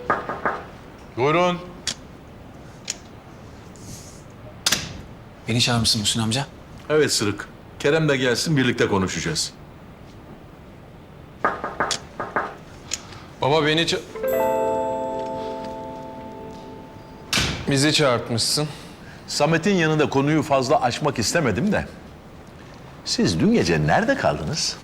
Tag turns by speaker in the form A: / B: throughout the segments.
A: Buyurun.
B: Beni çağırmışsın Muhsin amca.
A: Evet Sırık. Kerem de gelsin, birlikte konuşacağız.
C: Baba beni bizi çağırtmışsın.
A: Samet'in yanında konuyu fazla açmak istemedim de. Siz dün gece nerede kaldınız?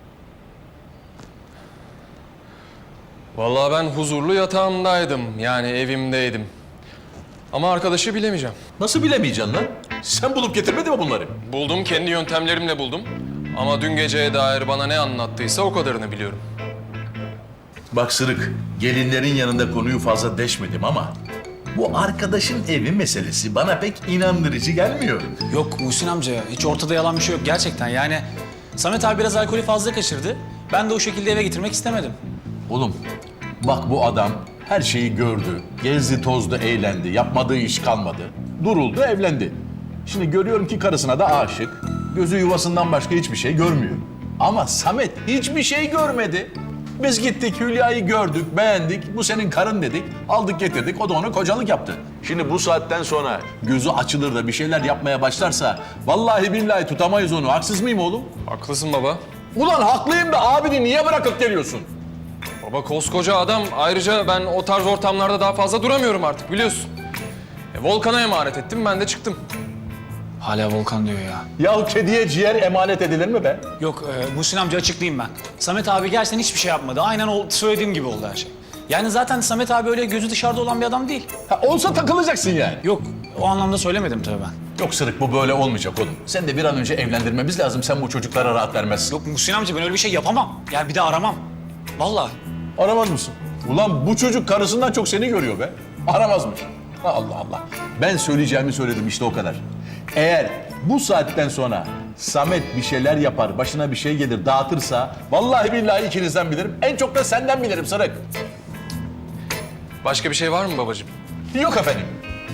C: Vallahi ben huzurlu yatağımdaydım. Yani evimdeydim. Ama arkadaşı bilemeyeceğim.
A: Nasıl bilemeyeceksin lan? Sen bulup getirmedin mi bunları?
C: Buldum, kendi yöntemlerimle buldum. Ama dün geceye dair bana ne anlattıysa o kadarını biliyorum.
A: Bak Sırık, gelinlerin yanında konuyu fazla deşmedim ama... bu arkadaşın evi meselesi bana pek inandırıcı gelmiyor.
B: Yok Muhsin amca, hiç ortada yalan bir şey yok gerçekten. Yani Samet abi biraz alkolü fazla kaçırdı. Ben de o şekilde eve getirmek istemedim.
A: Oğlum, bak bu adam her şeyi gördü, gezdi, tozdu, eğlendi, yapmadığı iş kalmadı. Duruldu, evlendi. Şimdi görüyorum ki karısına da aşık. Gözü yuvasından başka hiçbir şey görmüyor. Ama Samet hiçbir şey görmedi. Biz gittik, Hülya'yı gördük, beğendik. Bu senin karın dedik, aldık getirdik. O da ona kocalık yaptı. Şimdi bu saatten sonra gözü açılır da bir şeyler yapmaya başlarsa... vallahi billahi tutamayız onu. Haksız mıyım oğlum?
C: Haklısın baba.
A: Ulan haklıyım da abini niye bırakıp geliyorsun?
C: Baba koskoca adam. Ayrıca ben o tarz ortamlarda daha fazla duramıyorum artık biliyorsun. Volkan'a emanet ettim, ben de çıktım.
B: Hala Volkan diyor ya.
A: Ya kediye ciğer emanet edilir mi be?
B: Yok Muhsin amca açıklayayım ben. Samet abi gerçekten hiçbir şey yapmadı. Aynen söylediğim gibi oldu her şey. Yani zaten Samet abi öyle gözü dışarıda olan bir adam değil.
A: Ha, olsa takılacaksın yani.
B: Yok o anlamda söylemedim tabii ben.
A: Yok Sırık, bu böyle olmayacak oğlum. Sen de bir an önce evlendirmemiz lazım. Sen bu çocuklara rahat vermezsin.
B: Yok Muhsin amca ben öyle bir şey yapamam. Yani bir de aramam. Vallahi.
A: Aramaz mısın? Ulan bu çocuk karısından çok seni görüyor be. Aramazmış. Allah Allah. Ben söyleyeceğimi söyledim, işte o kadar. Eğer bu saatten sonra Samet bir şeyler yapar, başına bir şey gelir, dağıtırsa... vallahi billahi ikinizden bilirim. En çok da senden bilirim Sırık.
C: Başka bir şey var mı babacığım?
A: Yok efendim.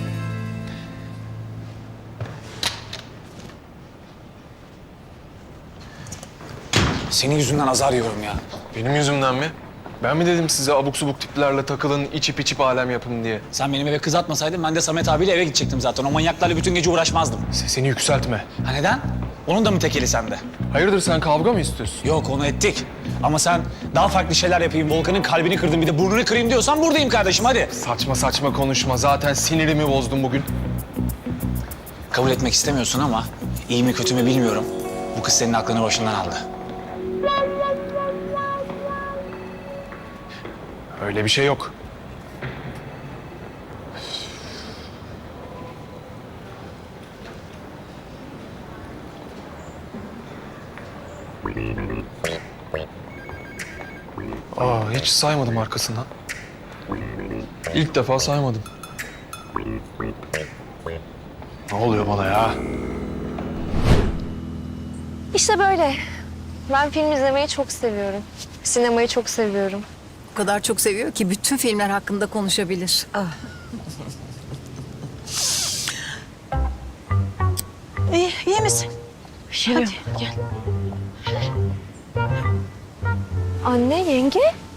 B: Senin yüzünden azar yiyorum ya.
C: Benim yüzümden mi? Ben mi dedim size abuk subuk tiplerle takılın, içip içip alem yapın diye?
B: Sen benim eve kız atmasaydın ben de Samet abiyle eve gidecektim zaten. O manyaklarla bütün gece uğraşmazdım.
C: Sesini yükseltme.
B: Ha neden? Onun da mı tekeli sende?
C: Hayırdır, sen kavga mı istiyorsun?
B: Yok onu ettik. Ama sen daha farklı şeyler yapayım, Volkan'ın kalbini kırdım bir de burnunu kırayım diyorsan buradayım kardeşim hadi.
C: Saçma saçma konuşma. Zaten sinirimi bozdun bugün.
B: Kabul etmek istemiyorsun ama iyi mi kötü mü bilmiyorum. Bu kız senin aklını başından aldı.
C: Öyle bir şey yok. Hiç saymadım arkasından. İlk defa saymadım. Ne oluyor bana ya?
D: İşte böyle. Ben film izlemeyi çok seviyorum. Sinemayı çok seviyorum.
E: O kadar çok seviyor ki bütün filmler hakkında konuşabilir.
F: İyi misin?
D: Hadi gel. Anne, yenge?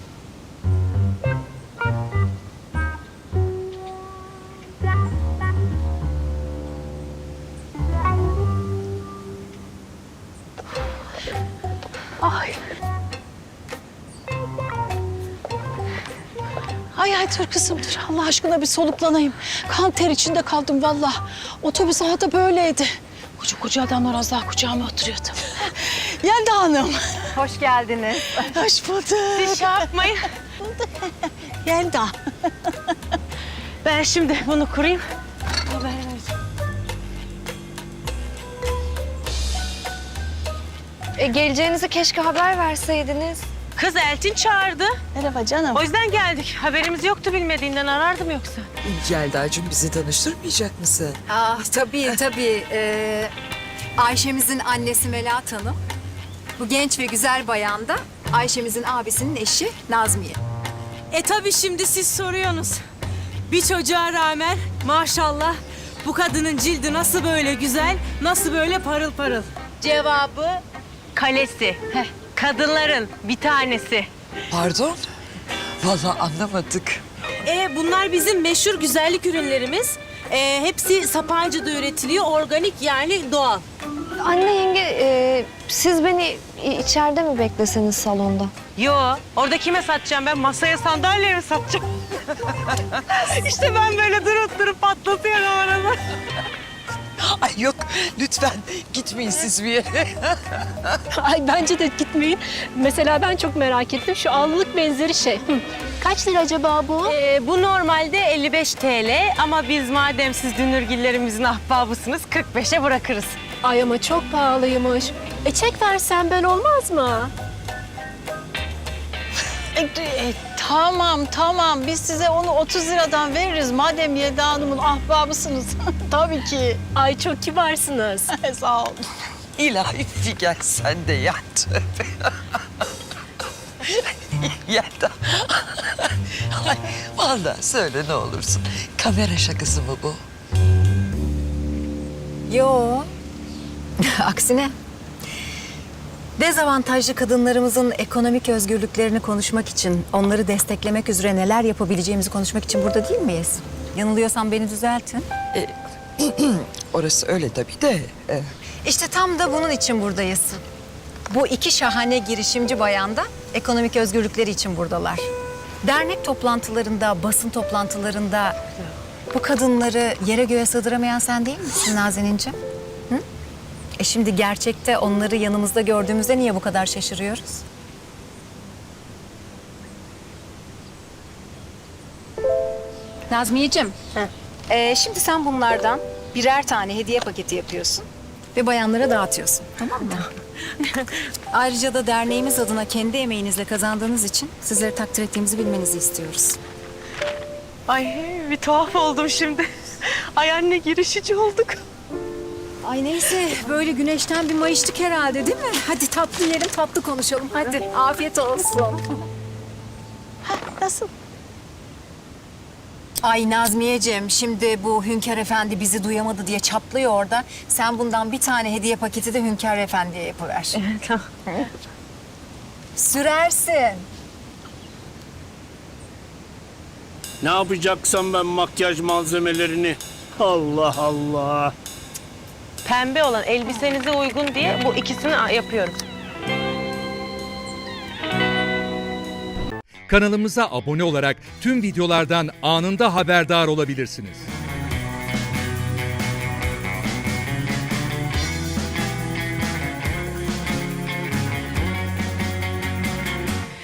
F: Ay dur kızım dur. Allah aşkına bir soluklanayım. Kan ter içinde kaldım vallahi. Otobüs da böyleydi. Koca adamlar az daha kucağıma oturuyordu. Yelda Hanım.
G: Hoş geldiniz.
F: Hoş bulduk.
G: Şey yapmayın.
F: Yelda.
G: Ben şimdi bunu kurayım.
D: Geleceğinizi keşke haber verseydiniz.
G: Kız Elçin çağırdı.
F: Merhaba canım.
G: O yüzden geldik. Haberimiz yoktu, bilmediğinden arardım yoksa.
H: Yelda'cığım bizi tanıştırmayacak mısın?
E: Tabii. Ayşemizin annesi Melahat Hanım. Bu genç ve güzel bayan da Ayşemizin abisinin eşi Nazmiye.
G: Tabii şimdi siz soruyorsunuz. Bir çocuğa rağmen maşallah bu kadının cildi nasıl böyle güzel, nasıl böyle parıl parıl. Cevabı kalesi. Kadınların bir tanesi.
H: Pardon? Vallahi anlamadık.
G: Bunlar bizim meşhur güzellik ürünlerimiz. Hepsi Sapanca'da üretiliyor, organik yani doğal.
D: Anne yenge siz beni içeride mi bekleseniz salonda?
G: Yo, orada kime satacağım ben? Masaya sandalyeye mi satacağım? İşte ben böyle durup patlatıyorum arada.
H: Ay yok lütfen gitmeyin siz bir yere.
I: Ay bence de gitmeyin. Mesela ben çok merak ettim. Şu allık benzeri şey. Kaç lira acaba bu?
G: Bu normalde 55 TL ama biz madem siz dünürgillerimizin ahbabısınız 45'e bırakırız.
I: Ay ama çok pahalıymış. Çek versen ben olmaz mı?
F: Tamam biz size onu 30 liradan veririz. Madem Yelda Hanım'ın ahbabısınız. Tabii ki.
I: Ay çok kibarsınız.
F: Sağ ol.
H: İlahi Figen sen de yat. Yelda. Ay, vallahi söyle ne olursun. Kamera şakası mı bu?
E: Yo. Aksine. Dezavantajlı kadınlarımızın ekonomik özgürlüklerini konuşmak için, onları desteklemek üzere neler yapabileceğimizi konuşmak için burada değil miyiz? Yanılıyorsam beni düzeltin.
H: Orası öyle tabii de.
E: İşte tam da bunun için buradayız. Bu iki şahane girişimci bayan da ekonomik özgürlükleri için buradalar. Dernek toplantılarında, basın toplantılarında bu kadınları yere göğe sığdıramayan sen değil misin Nazenin'ciğim? Hı? Şimdi gerçekte onları yanımızda gördüğümüzde niye bu kadar şaşırıyoruz? Nazmiyeciğim, şimdi sen bunlardan birer tane hediye paketi yapıyorsun ve bayanlara dağıtıyorsun, tamam mı? Ayrıca da derneğimiz adına kendi emeğinizle kazandığınız için sizleri takdir ettiğimizi bilmenizi istiyoruz.
G: Ay bir tuhaf oldum şimdi. Ay anne girişici olduk.
E: Ay neyse, böyle güneşten bir mayıştık herhalde değil mi? Hadi tatlı yiyelim, tatlı konuşalım. Hadi, afiyet olsun.
F: Nasıl?
E: Ay Nazmiyeciğim, şimdi bu Hünkar Efendi bizi duyamadı diye çaplıyor orada. Sen bundan bir tane hediye paketi de Hünkar Efendi'ye yapıver.
G: Tamam.
E: Sürersin.
J: Ne yapacaksam ben makyaj malzemelerini? Allah Allah.
G: Pembe olan elbisenize uygun diye bu ikisini yapıyorum.
K: Kanalımıza abone olarak tüm videolardan anında haberdar olabilirsiniz.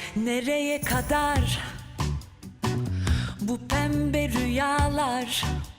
L: Nereye kadar bu pembe rüyalar?